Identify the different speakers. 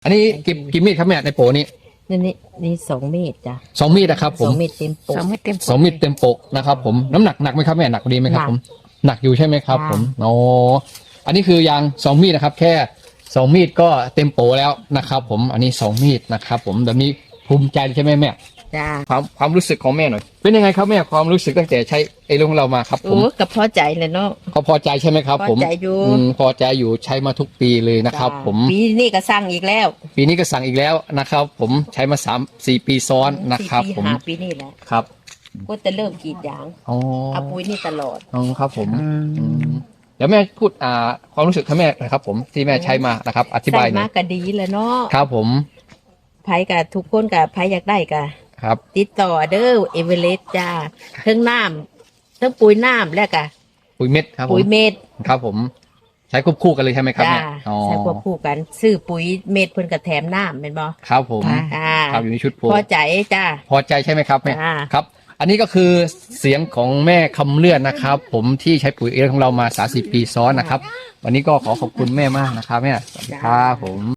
Speaker 1: อันนี้กี่มีดครับแม่ในโปนี้
Speaker 2: นี่2 เมตรจ้ะ
Speaker 1: 2 มีดนะครับผม
Speaker 2: 2 เมตรเต็มปก
Speaker 3: 2 เม็ดเต็ม
Speaker 1: 2 มีดเต็มปกนะครับผมน้ำหนักไหมครับแม่หนักดีไหมครับผมหนักอยู่ใช่ไหมครับผมโอ้อันนี้คือยาง2 มีดนะครับแค่2 มีดก็เต็มโปแล้วนะครับผมอันนี้2 มีดนะครับผมแบบนี้ภูมิใจใช่ไหมแม่
Speaker 2: จ้ะ
Speaker 1: ความรู้สึกของแม่หน่อยเป็นยังไงครับแม่ความรู้สึกตั้งแต่ใช้ไอ้เรื่องของเรามาครับผม
Speaker 2: โอ้กับพอใจเลยเนาะ
Speaker 1: เขาพอใจใช่ไหมครับผม
Speaker 2: พอใจอยู่
Speaker 1: พอใจอยู่ใช้มาทุกปีเลยนะครับ
Speaker 2: จ้ะ
Speaker 1: ผม
Speaker 2: ปีนี้ก็สั่งอีกแล้ว
Speaker 1: ปีนี้ก็สั่งอีกแล้วนะครับผมใช้มา3-4 ปีซ้อนนะครับ
Speaker 2: 4 ปี
Speaker 1: ผม
Speaker 2: 5 ปีนี่แหละ
Speaker 1: ครับ
Speaker 2: ก็จะเริ่มกรีดยาง
Speaker 1: อ๋อ
Speaker 2: เอาปุ๋ยนี่ตลอด
Speaker 1: อ๋อครับผมเดี๋ยวแม่พูดความรู้สึกของแม่หนะครับผมที่แม่ใช้มานะครับอธิบายห
Speaker 2: ใส่
Speaker 1: น่
Speaker 2: มา
Speaker 1: อย
Speaker 2: ก็ดีเลยเนาะ
Speaker 1: ครับผม
Speaker 2: ไผกับทุกคนกับไผอยากได้กับ
Speaker 1: ครับ
Speaker 2: ติดต่อเด้อเอเวอเรสต์จ้าเทั้งน้ำเทั้งปุ๋ยน้ำแล้วก็
Speaker 1: ปุ๋ยเม็ดครับผม
Speaker 2: ปุ๋ยเม็ด
Speaker 1: ครับผมใช้ควบคู่กันเลยใช่ไหมครับ
Speaker 2: จ้า
Speaker 1: แม่อ๋อ
Speaker 2: ใช้ควบคู่กันซื้อปุ๋ยเม็ดเพิ่นก็แถมน้ำเป็นบ่
Speaker 1: ครับผม
Speaker 2: อ่า
Speaker 1: ครับอยู่ในชุดโพ
Speaker 2: พอใจจ้า
Speaker 1: พอใจใช่ไหมครับแม่
Speaker 2: จ้า
Speaker 1: ครับ อันนี้ก็คือเสียงของแม่คำเลื่อนนะครับ ผมที่ใช้ปุ๋ยเอของเรามา30 ปีซ้อนนะครับ วันนี้ก็ขอขอบคุณแม่มากนะครับแม่สวัสดีครับผม